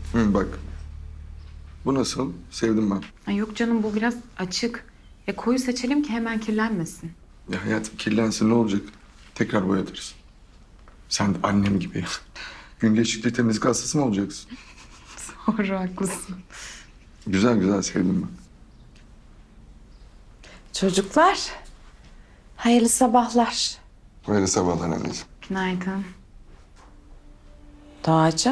Hı, bak. Bu nasıl? Sevdim ben. Ay yok canım, bu biraz açık. Koyu seçelim ki hemen kirlenmesin. Ya hayatım kirlensin ne olacak? Tekrar boyatırız. Sen de annem gibi. Gün geçtikçe temizlik hastası mı olacaksın? Doğru, haklısın. Güzel güzel sevdim ben. Çocuklar, hayırlı sabahlar. Hayırlı sabahlar anneciğim. Günaydın. Doğacığım.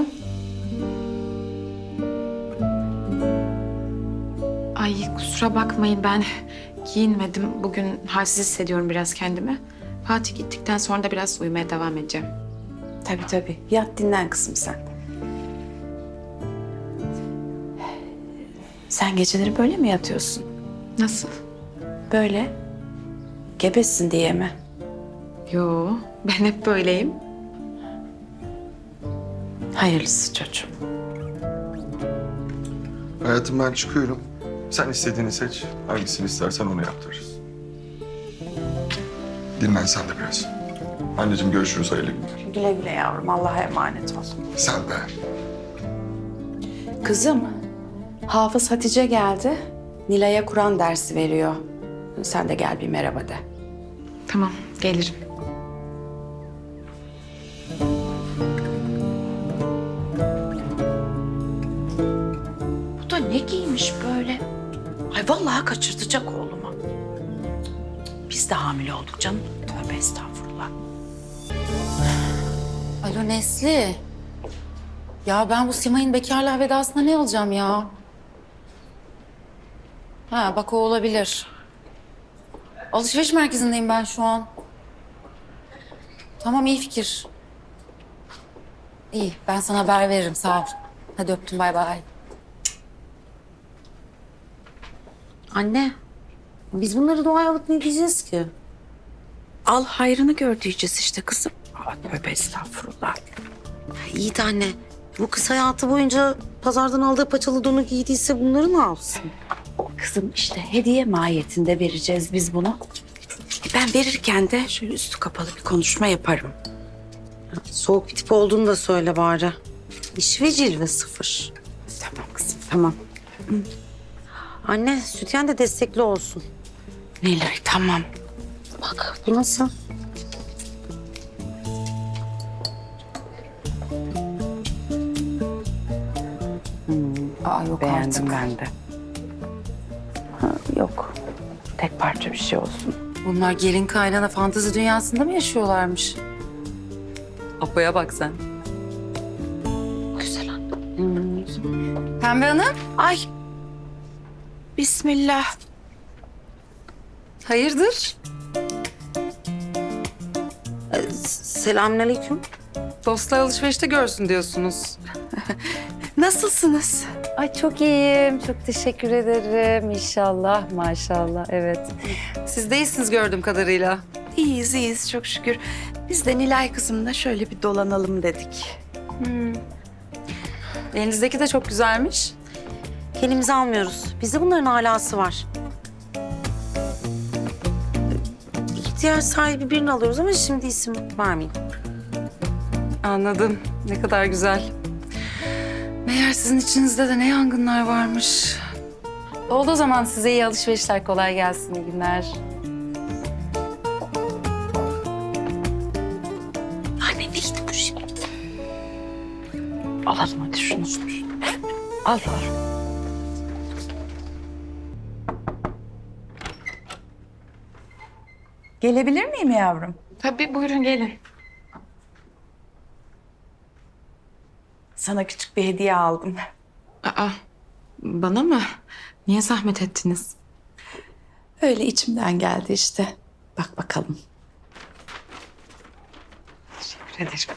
Ay kusura bakmayın, ben giyinmedim. Bugün halsiz hissediyorum biraz kendimi. Fatih gittikten sonra da biraz uyumaya devam edeceğim. Tabii. Yat dinlen kızım sen. Sen geceleri böyle mi yatıyorsun? Nasıl? Böyle. Gebesin diye mi? Yo, ben hep böyleyim. Hayırlısı çocuğum. Hayatım ben çıkıyorum. Sen istediğini seç. Hangisini istersen onu yaptırırız. Dinlen sen de biraz. Anneciğim görüşürüz hayırlı günler. Güle güle yavrum. Allah'a emanet ol. Sen de. Kızım, Hafız Hatice geldi. Nilay'a Kur'an dersi veriyor. Sen de gel bir merhaba de. Tamam, gelirim. Bu da ne giymiş böyle? Ay vallahi kaçırtacak oğlumu. Biz de hamile olduk canım. Tövbe estağfurullah. Alo Nesli. Ya ben bu Simay'ın bekarlığa vedasına ne alacağım ya? Ha bak o olabilir. Alışveriş merkezindeyim ben şu an. Tamam iyi fikir. İyi ben sana haber veririm sağ ol. Hadi öptüm bay bay. Anne, biz bunları doğaya alıp ne diyeceğiz ki? Al hayrını gör diyeceğiz işte kızım. Aa, tövbe estağfurullah. İyi de anne, bu kız hayatı boyunca pazardan aldığı paçalı donu giydiyse bunları ne yapsın? Kızım işte hediye mahiyetinde vereceğiz biz bunu. Ben verirken de şöyle üstü kapalı bir konuşma yaparım. Soğuk bir tip olduğunu da söyle bari. İş ve cilve sıfır. Tamam kızım tamam. Anne, sütyen de destekli olsun. Nilay tamam. Bak, bu nasıl? Aa yok Beğendim artık. ben de. Ha, yok. Tek parça bir şey olsun. Bunlar gelin kaynana fantezi dünyasında mı yaşıyorlarmış? Apo'ya bak sen. Güzel anne. Pembe Hanım. Ay. Bismillah. Hayırdır? Selamünaleyküm. Dostlar alışverişte görsün diyorsunuz. Nasılsınız? Ay çok iyiyim. Çok teşekkür ederim. İnşallah, maşallah. Evet. Siz de iyisiniz gördüğüm kadarıyla. İyiyiz çok şükür. Biz de Nilay kızımla şöyle bir dolanalım dedik. Elinizdeki de çok güzelmiş. Kendimizi almıyoruz. Bizde bunların alası var. İhtiyaç sahibi birini alıyoruz ama şimdi isim vermeyeyim. Anladım. Ne kadar güzel. Meğer sizin içinizde de ne yangınlar varmış. Oldu o zaman size iyi alışverişler. Kolay gelsin. İyi günler. Anne neydi bu şimdi? Alalım hadi şunu. Al. Gelebilir miyim yavrum? Tabii, buyurun gelin. Sana küçük bir hediye aldım. Aa, bana mı? Niye zahmet ettiniz? Öyle içimden geldi işte. Bak bakalım. Teşekkür ederim.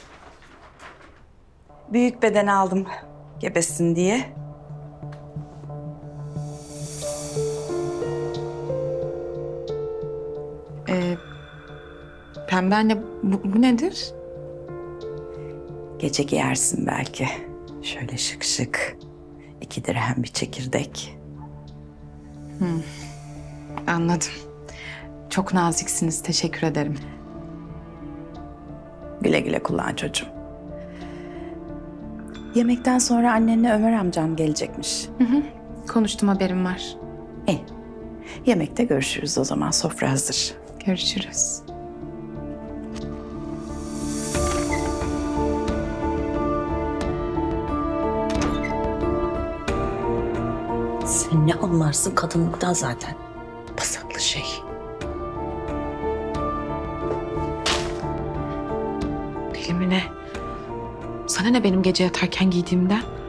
Büyük beden aldım gebesin diye. Pembe anne, bu nedir? Gece giyersin belki. Şöyle şık şık. 2 dirhem bir çekirdek. Anladım. Çok naziksiniz, teşekkür ederim. Güle güle kullan çocuğum. Yemekten sonra annenle Ömer amcam gelecekmiş. Konuştum, haberim var. İyi. Yemekte görüşürüz o zaman. Sofra hazır. Görüşürüz. Sen ne anlarsın kadınlıktan zaten. Pasaklı şey. Deli mi ne? Sana ne benim gece yatarken giydiğimden?